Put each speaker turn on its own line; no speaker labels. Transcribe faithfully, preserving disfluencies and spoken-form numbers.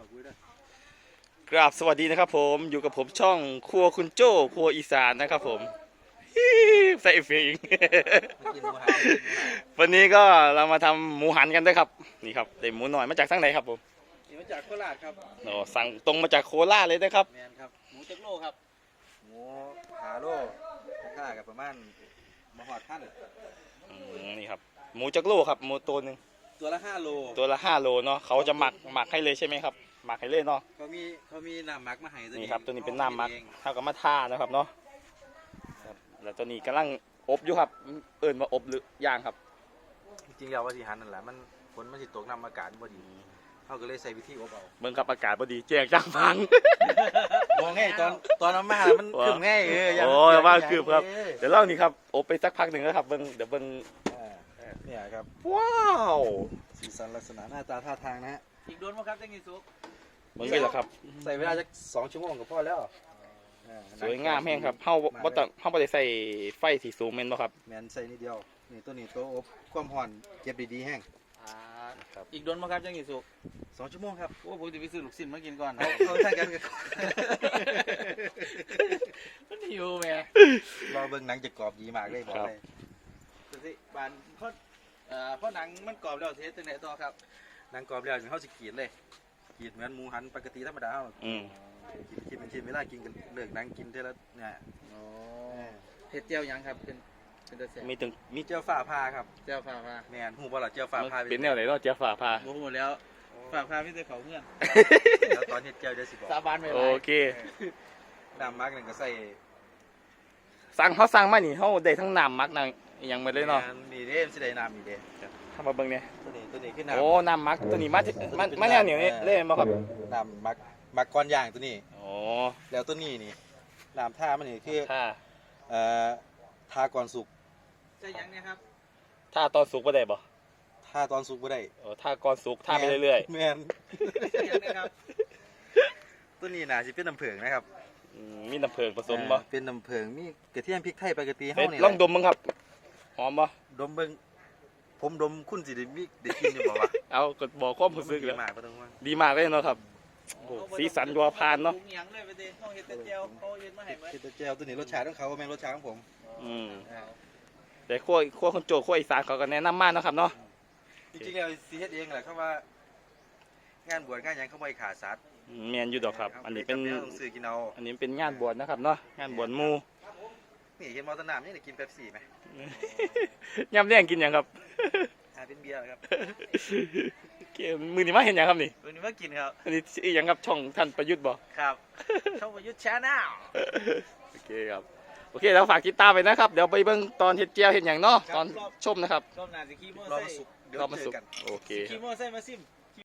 กราบสวัสดีนะครับผมอยู่กับผมช่องครัวคุณโจ้ครัวอีสานนะครับผมใส่เอฟเฟกต์วันนี้ก็เรามาทำหมูหันกันด้วยครับนี่ครับได้หมูหน่อยมาจากทางไหนครับผม
มาจากโคราชครับ
โอ้สั่งตรงมาจากโคราชเลยนะครับ
แมนครับหมูจักโลครับหมูหาโลราคากับประมาณมาหอดท่าน
นี่ครับหมูจักโลครับหมูตัวหนึ่ง
ตัวละห้าโล
ตัวละห้าโลเนาะเขาจะหมักหมักให้เลยใช่ไหมครับหมักให้เลยเนาะ
เขามีเขามีน้ำหมักมาให้ตัวนี้
นี่ครับตัวนี้เป็นน้ำหมักเท่ากับมาท่านะครับเนาะแล้วตัวนี้กำลังอบอยู่ครับเอิ่นมาอบหรือย่างครับ
จริงๆแล้วว่าที่หันนั่นแหละมันฝนมันสิตกน้ำอากาศพอดีเขาก็เลยใส่วิธีอบเอา
เบิ่งกับอากาศพอดีแจ้งจ้างฟัง
มองง่ายตอนตอนน้ำมามันคืบง่ายเออ
โอ้ยว่าคืบครับเดี๋ยวเล่านี่ครับอบไปสักพักหนึ่งแล้วครับเบิ่งเดี๋ยวเบิ่ง
เนี่ยครับ
ว้าว
สีสันลักษณะหน้าตาท่าทางนะฮะอีกโดนมั้งครับจังกิซุก
เบิ่งเลยเหรอครับ
ใส่เวลาจะสองชั่วโมงก็พอแล้ว
สวยงามแห้งครับเฮาบ่ต้องเฮาบ่ได้ใส่ไฟสีสูงแม่นบ่ครับ
แม่นใส่นิดเดียวนี่ตัวนี้ตัวอบความร้อนเก็บดีๆแห้ง
อีกโดนมั้งครับจังกิซุก
สองชั่วโมงครับ
โอ้ผมจะไปซื้อลูกชิ้นมากินก่อน
เขาท่านกัน
มันหิวแม่
รอเบิ่งหนังจะกรอบดีมากเลยบอกเลย
ดูสิบานเพราะเอ่อเพราะหนังมันกรอบแล้วเทสตั้งแต่ต่อครับ
หนังกรอบแล้วเขาสิขีดเลยขีดเหมือนหมูหันปกติธรรมดา
อืม
ขีดขีดเป็นชิ้นเวลากินกันเลือกหนังกินเท่าเนี่ย
อ๋อเห็ดเจียวยังครับเป็นเป็นตัวแสบ
มีถึง
มีเจียวฝ่าพาครับ
เจียวฝ่าพา
แม่นหูบ่ล่ะเจียวฝ่าพา
เป็นแนวไหนเนาะเจียวฝ่าพา
โอ้โหแล้วฝ่าพาไม่ได้เขาเงื่อน
แล้วตอนเห็ดเจียวเดี๋ยวสิบอก
สาบานไป
โอเค
น้ำมักหนึ่งก็ใส่
สั่งเขาสั่งมานี่เขาได้ทั้งน้ำมักนั่งยังไม่เลยเนาะ
นี่เด้สิได้น้ำนี่เด้
ทำมาเบิ่งเนี่ย
ตัวนี้ตัวนี้คือน้ำ
โอ้น้ำมักตัวนี้มามามาแนวเหนียวนี่เล่นมาครับ
น้ำมักมักก้อนย่างตัวนี้
โอ้
แล้วตัวนี้นี่น้ำท่ามันนี่คือ
ท่า
เอ่อท่าก่อนสุก
ใช่ยังเนี่ยครับ
ท่าตอนสุกบ่ได้บ่
ท่าตอนสุกบ่ได้
โอ้ท่าก่อนสุกท่าไปเรื่อย
ๆแม่นใช่ยังเนี่ยครับตัวนี้น่าสิเป็นน้ำผึ้งนะครับ
มีน้ำผึ้งผสมบ่
เป็นน้ำผึ้งมีกระเทียมพริกไทยปกติเฮานี่
ลองดมมั้งครับหอมบ่
ดมเบิ่งผมดมคุณสิได้มีได้กินอยู่บ่วะ
เอาก็บอกความรู้สึกแล้ว
ดีมากบ่ต้องว่า
ดีมากเลยเนาะครับโอ้สีสันยัวพานเนาะ
ยังเลยไปเด้เฮาเฮ็ดแต่เจียวเฮาเฮ็ดมาให้เบิด
เฮ็ดแต่เจียวตัวนี้รสชาติของเขาบ่แม่นรสชาติของผม
อืมแต่ขั้วขั้วคนโจขั้วอีสานเขาก็แนะนำมากนะครับเนาะ
จริงๆแล้วสิเฮ็ดเองแหละเขาว่างานบวชงานหยังเขาบ่ให้ขาดสัตว์
แม่นอยู่ดอกครับอันนี้เป็น
ซื้อกินเอา
อันนี้เป็นงานบวชนะครับเนาะงานบวชหมู่
นี่เห็นมอเตอร์น้ำนี่กินเป๊ปซี่ไหม
ยำแดงกินยังครับ
อ่าเป็นเบียร์ครับ
มือนี่มาเห็นยังครับนี่
มือนี่มากินครับ
อันนี้ยังครับช่องท่านประยุทธ์บ่
ครับช่องประยุทธ์แชนแนล
โอเคครับโอเคแล้วฝากติดตามไปนะครับเดี๋ยวไปเบิ่งตอนเฮ็ดเจียวเห็นอย่างเนาะตอนชมนะครับ
รอบหน้าสิขี่มอ
เตอร์ไซค์รอบมาสุกโอเค
ขี่มอเตอร์ไซค์มาซิม